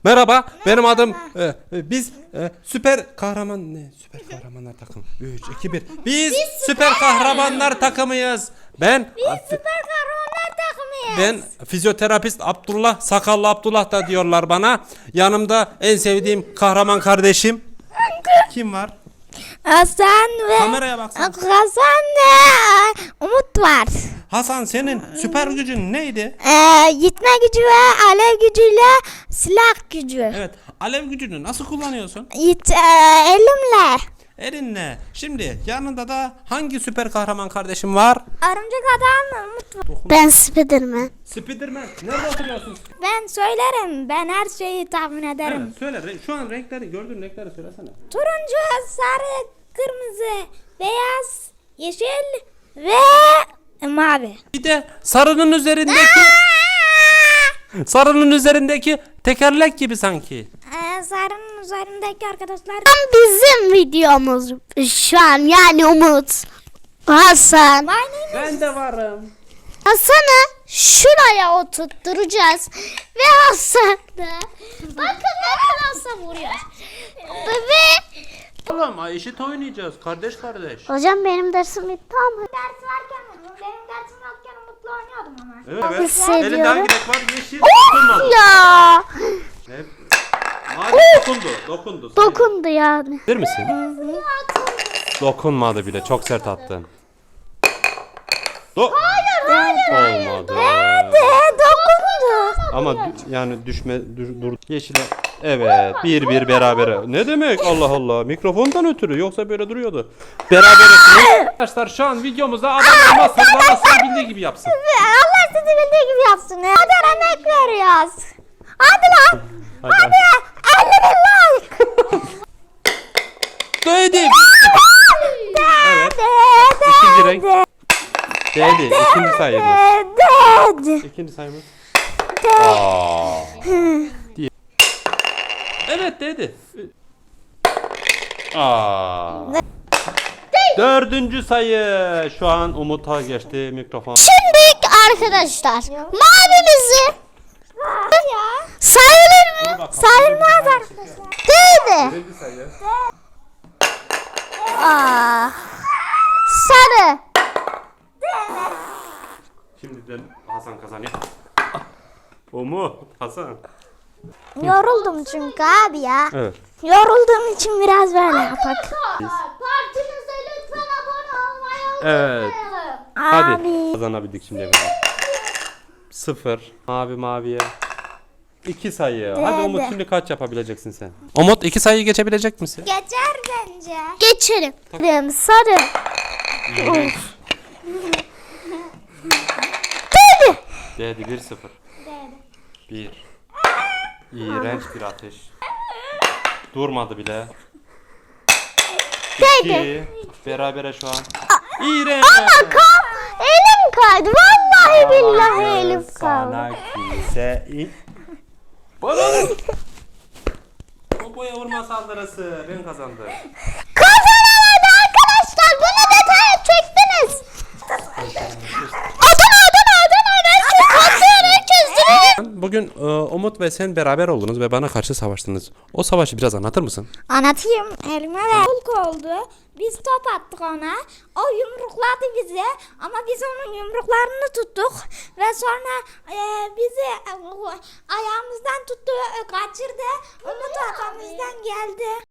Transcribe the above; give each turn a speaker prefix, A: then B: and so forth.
A: Merhaba, benim adım biz süper kahraman süper kahramanlar takımı. 3 2 1. Biz süper kahramanlar takımıyız.
B: Süper kahramanlar takımıyız.
A: Ben fizyoterapist Abdullah, sakallı Abdullah da diyorlar bana. Yanımda en sevdiğim kahraman kardeşim. Kim var?
B: Hasan ve
A: Kameraya baksana.
B: Hasan ve Umut var.
A: Hasan, senin süper gücün neydi?
B: Gitme gücü ve alev gücüyle silah gücü.
A: Evet, alev gücünü nasıl kullanıyorsun?
B: Elimle.
A: Elinle. Şimdi yanında da hangi süper kahraman kardeşim var?
B: Örümcek adam Umut var. Ben Spiderman.
A: Spiderman. Nerede oturuyorsun?
B: Ben söylerim. Ben her şeyi tahmin ederim.
A: Evet, söyle. Şu an renkleri, gördüğün renkleri söylesene.
B: Turuncu, sarı, kırmızı, beyaz, yeşil ve mavi.
A: Bir de sarının üzerindeki tekerlek gibi sanki.
B: Sarının üzerindeki arkadaşlar.
C: Bizim videomuz şu an, yani Umut, Hasan.
A: Ben de varım.
C: Hasan'ı şuraya oturtturacağız ve Hasan da bakın hemen Hasan vuruyor. Ve
A: Oğlum eşit oynayacağız kardeş.
C: hocam benim dersim bitti ama
B: Ders varken benim dersim yokken Umut'la oynuyordum ama.
A: Evet.
C: hissediyorum.
A: Elinde hangi renk var? Yeşil. Dokunmadı.
C: ya
A: Evet. Mavi dokundu.
C: dokundu yani.
A: Bilir misin? Dokunmadı bile. Çok sert attın. Hayır. Olmadı.
C: Dokundu.
A: Ama yani dur yeşile. Evet, 1-1 berabere. Ne demek? Allah Allah. Mikrofondan ötürü, yoksa böyle duruyordu. Berabere. Arkadaşlar şu an videomuzda adam olmazsa Allah bildiği gibi yapsın.
B: Allah sizi bildiği gibi yapsın. Hadi emek veriyoruz. Hadi lan.
A: Hadi.
B: 50 bin like.
A: Değdi. Evet. İkinci renk. Değdi. İkinci sayımız. İkinci sayımız. Aa. Evet, değdi. Dördüncü sayı. Şu an Umut'a geçti mikrofon.
C: Şimdi arkadaşlar mavimizi sayılır mı?
B: Sayılmaz arkadaşlar.
C: Değdi.
A: Birinci sayı.
C: Sarı.
A: Şimdiden Hasan kazanıyor. Umut, Hasan.
B: Yoruldum çünkü abi ya.
A: Evet.
B: Yorulduğum için biraz böyle yapak.
C: Partimize lütfen abone olmayı
A: Evet.
B: Abi.
A: Hadi. Kazanabildik şimdi. 0. Maviye. 2 sayı. Hadi Umut, şimdi kaç yapabileceksin sen? Umut, 2 sayıyı geçebilecek misin?
B: Geçer bence.
C: geçelim. Sarı.
A: Değdi 1-0. 1. İğrenç bir ateş. Durmadı bile. 2. Berabere şu an. İğrenç.
C: Elim kaydı. Vallahi billahi elim kaydı.
A: Sana kimse Bana. Popoya vurma saldırısı. Ben kazandım.
C: Kazanamadı arkadaşlar. Bunu detaya çektiniz. Adana.
A: Bugün Umut ve sen beraber oldunuz ve bana karşı savaştınız. O savaşı biraz anlatır mısın?
B: Anlatayım. Elime ve Hulk oldu. Biz top attık ona. O yumrukladı bizi. Ama biz onun yumruklarını tuttuk. Ve sonra bizi ayağımızdan tuttu, kaçırdı. Umut arkamızdan geldi.